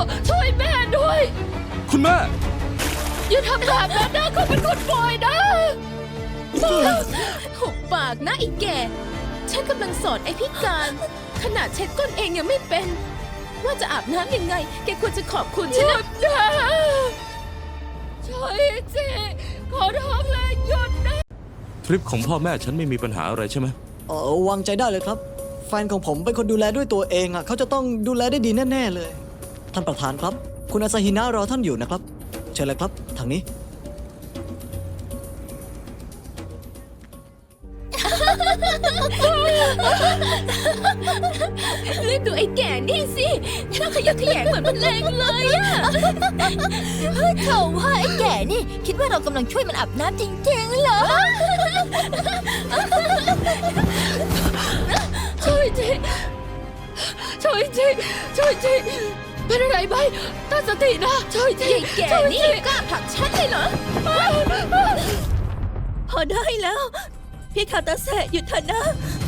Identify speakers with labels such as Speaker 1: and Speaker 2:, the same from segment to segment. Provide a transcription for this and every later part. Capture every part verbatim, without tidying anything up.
Speaker 1: ช่วยแม่ด้วย
Speaker 2: คุณแม่
Speaker 1: อย่าทำแบบนั้นนะเขาเป็นคนปล่อยนะหุบปากนะไอ้แก่ฉันกำลังสอนไอ้พิการขนาดเช็ดก้นเองยังไม่เป็นว่าจะอาบน้ำยังไงแกควรจะขอบคุณฉันนะช่วยสิขอร้องเลยหยุดนะ
Speaker 2: ทริปของพ่อแม่ฉันไม่มีปัญหาอะไรใช่ไหม
Speaker 3: เออวางใจได้เลยครับแฟนของผมเป็นคนดูแลด้วยตัวเองอ่ะเขาจะต้องดูแลได้ดีแน่ๆเลยท่านประธานครับคุณอาซาฮินะรอท่านอยู่นะครับเชิญเลยครับทางนี้
Speaker 1: เลือกดูไอ้แก่นี่สิน่าขยักขยงเหมือนมันแรงเลยอะ
Speaker 4: เขาว่าไอ้แก่นี่คิดว่าเรากำลังช่วยมันอาบน้ำจริงๆเหรอ
Speaker 1: ช่วยทีช่วยทีช่วยทีเป็นอะไรไหมตั้งสตินะช่วยทีไอ้แก่นี่กล้าผลักฉันเลยเหรอ
Speaker 4: พอได้แล้วพี่คาตาเซะหยุดเถอะนะ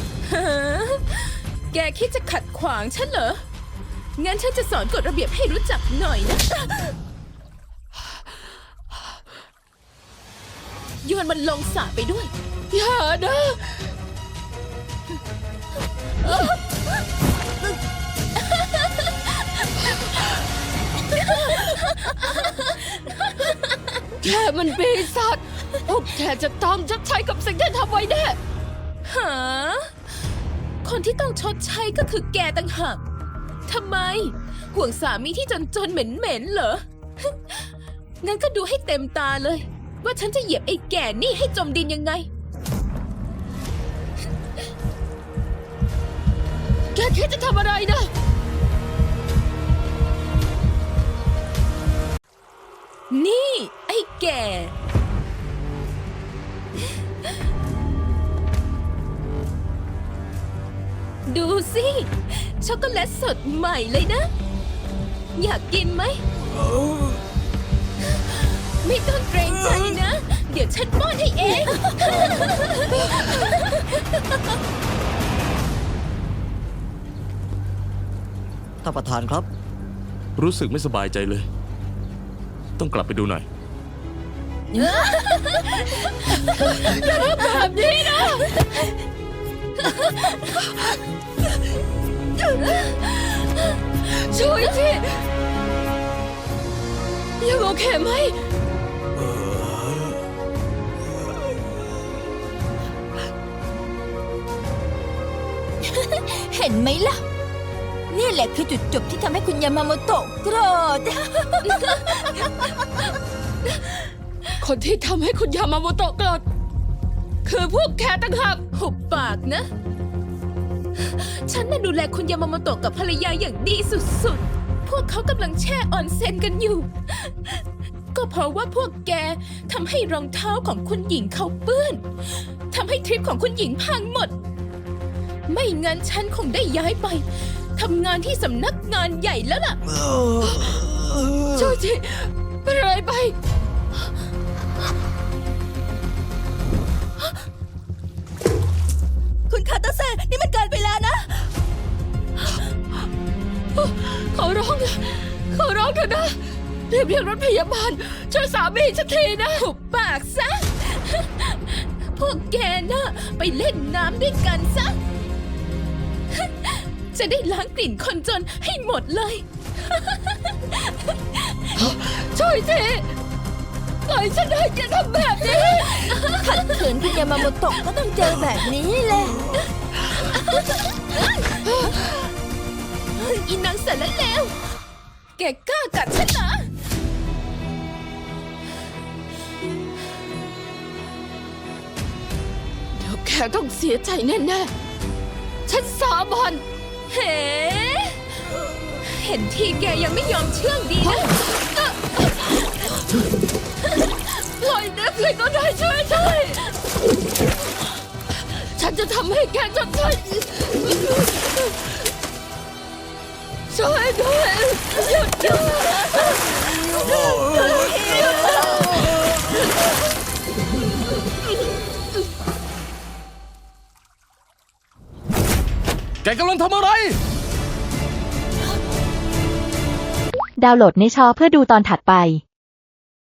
Speaker 1: แกคิดจะขัดขวางฉันเหรองั้นฉันจะสอนกฎระเบียบให้รู้จักหน่อยนะโยนมันลงสระไปด้วยอย่านะแกมันปีศาจพวกแกจะต้องชดใช้กับสิ่งที่ทำไว้แน่หาคนที่ต้องชดใช้ก็คือแกต่างหากทำไมห่วงสามีที่จนๆเหม็นๆเหรอ งั้นก็ดูให้เต็มตาเลยว่าฉันจะเหยียบไอ้แก่นี่ให้จมดินยังไง แกคิดจะทำอะไรนะนี่ไอ้แก่ดูสิช็อกโกแลตสดใหม่เลยนะอยากกินไหมไม่ต้องเกรงใจนะเดี๋ยวฉันป้อนให้เอง
Speaker 3: ท่านประธานครับ
Speaker 2: รู้สึกไม่สบายใจเลยต้องกลับไปดูหน่อย
Speaker 1: อย่าทำแบบนี้นะช่วยทียังโอเคไหม
Speaker 4: เห็นไหมล่ะนี่แหละคือจุดจบที่ทำให้คุณยามาโมโตะโกรธ
Speaker 1: คนที่ทำให้คุณยามาโมโตะโกรธคือพวกแกต่างหากหุบปากนะฉันน่ะดูแลคุณยามาโมโตะกับภรรยาอย่างดีสุดๆพวกเขากำลังแช่ออนเซ็นกันอยู่ก็เพราะว่าพวกแกทำให้รองเท้าของคุณหญิงเขาเปื้อนทำให้ทริปของคุณหญิงพังหมดไม่งั้นฉันคงได้ย้ายไปทำงานที่สำนักงานใหญ่แล้วล่ะช่วยทีเป็นอะไรไป
Speaker 4: คุณคาตาเซะนี่มันเกินไปแล้วนะ
Speaker 1: ขอร้องนะขอร้องเถอะนะเรียกเรียกรถพยาบาลช่วยสามีฉันทีนะหุบปากซะพวกแกน่ะไปเล่นน้ำด้วยกันซะจะได้ล้างกลิ่นคนจนให้หมดเลยช่วยทีปล่อยฉันให้แกทำแบบนี้
Speaker 4: ขัดขืนคุณยามาโมโตะก็ต้องเจอแบบนี้แหละ
Speaker 1: อีนางเสร็จแล้วแล้วแกกล้ากัดฉันเหรอเดี๋ยวแกต้องเสียใจแน่ๆฉันสาบานเฮ้เห็นทีแกยังไม่ยอมเชื่องดีนะปล่อยนะใครก็ได้ช่วยด้วยฉันจะทำให้แกจำใจช่วยด้วยหยุดด้วย
Speaker 2: แกกำลังทำอะไร
Speaker 5: ดาวน์โหลดในชอเพื่อดูตอนถัดไป